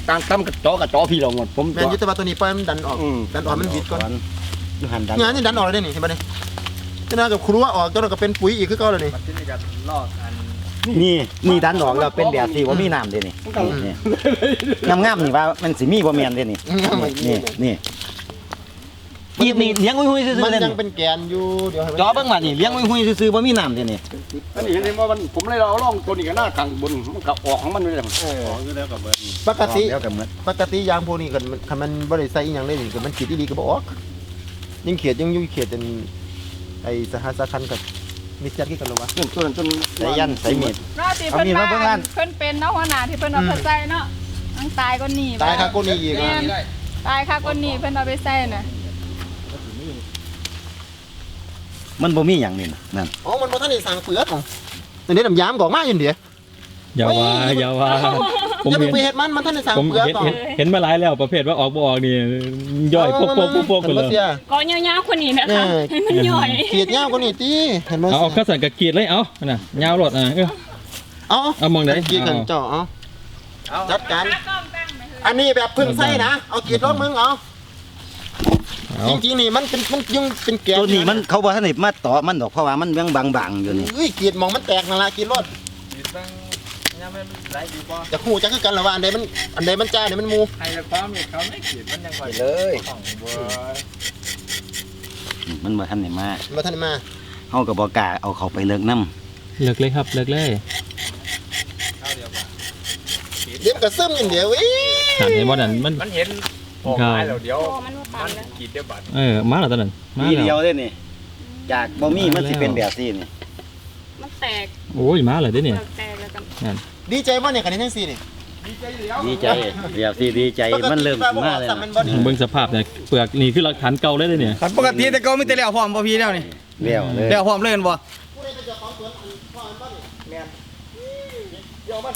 ตั้มกระจอพี่เราหมดผมแม่นยุทธบาตัวนี้ปล่อยมันดันออกมันบิดก่อนหันดันงานนี่ดันออกเลยนี่เห็นป่ะนี่จะน่ากับครัวออกตัวนั้นก็เป็นปุ๋ยอีกคือเก่าเลยนี่ที่นี่จะลอกอันนี่ดันออกแล้วเป็นแบบที่ว่ามีน้ำเด้นี่งามๆนี่ว่ามันสิมีบ่แม่นเด้นี่นี่กีดนี่เลี้ยงหุ้ยๆซื่อมันๆเด้ยังนี่เป็นแกนอยู่เดี๋ยวให้จอเบิ่งว่านี่เลี้ยงหุ้ยๆซื่อๆบ่มีน้ำเด้นี่อันนี้เห็นไหมว่าผมเลยเราล่องตัวนี้กันหน้ากลางบนมันก็ออกของมันเลยออกอยู่แล้วกับเบิร์ดปกติแล้วก็เหมือนปกติยางพวกนี้กันคันมันบ่ได้ใส่อีหยังเลยนี่ก็มันขีดดีๆก็บ่ออกยิ่งเขียดยังอยู่เขียดจนไอ้สหัสคันกับมิจฉาที่กันหรอวะจนใส่ยันใส่มีดเนาะที่เพิ่นมาเพิ่นเป็นเนาะหัวหน้าที่เพิ่นเอาไปใส่เนาะทั้งตายก็หนีตายค่ะกูนี่อีกแม่นตายค่ะก็หนีเพิ่นเอาไปใส่น่ะมันบ่มีหยังนี่นั่นอ๋อมันบ่ทันได้สั่งเปลือกของอันนี้น้ำยามก็ออกมาอยู่เดี๋ยวอย่าว่าผมอย่าเห็นไปเฮ็ดมันทันได้สั่งผมเปลือกเห็นก่อนเห็นมาหลายแล้วประเภทว่าออกบ่ออกนี่ย่อยพวกไปเลยก็ยาวๆคนนี้นะคะให้มันย่อยเขียดยาวกว่านี้ติเห็นบ่เอาข้าวสันกับกีดเลยเอาน่ะยาวรถเอามองได้เขียดกันเจ้าเอาจัดการอันนี้แบบพึ่งใส่นะเอาเขียดรถมึงเอาจริงๆนี่มันเป็นยังเป็นแกนตัวนี้มันเขาบ่ทันได้มาต่อมันดอกเพราะว่ามันยังบางๆอยู่นี่เอ้ยเขียดมองมันแตกนั่นล่ะเขียดรถติดตั้งยังไม่ไรดีป่ะจะฮู้จักคือกันล่ะว่าอันใดมันจ้าอันใดมันหมูไอ้ความเนี่ยเขาไม่ขีดมันยังไหวเลยของเบิร์ดมันบ่ทันได้มาบ่ทันได้มาเฮาก็บ่กล้าเอาเขาไปเลิกนำเลิกเลยครับเลิกเลยเดี๋ยวมันก็ซึมอย่างเดียวเว้ยเห็นบ่นั่นมันมันเห็นออกมาแล้วเดี๋ยวโอ้มันบ่ตัมัน นแล้วขีดเดี๋ยวบัดมาแล้วตอนนั้นมาทีเดียแล้ว วเด้นี่จากบ่มีมันสิเป็นแบบนี้นี่มันแตกโอ้ยมาเลยเด้เนี่ยแตกแล้วกันดีใจบ่เนี่ยกันนี้จังซี่นี่ดีใจแบบสิดีใจมันเริ่มมาแล้วมันบ่ดีเบิ่งสภาพเนี่ยเปลือกนี่คือหลักฐานเก่าเลยเด้เนี่ยขันปกติแต่ก็ไม่แต่แล้วพร้อมบ่พี่แล้วนี่แล้วเลยแล้วพร้อมเล่นบ่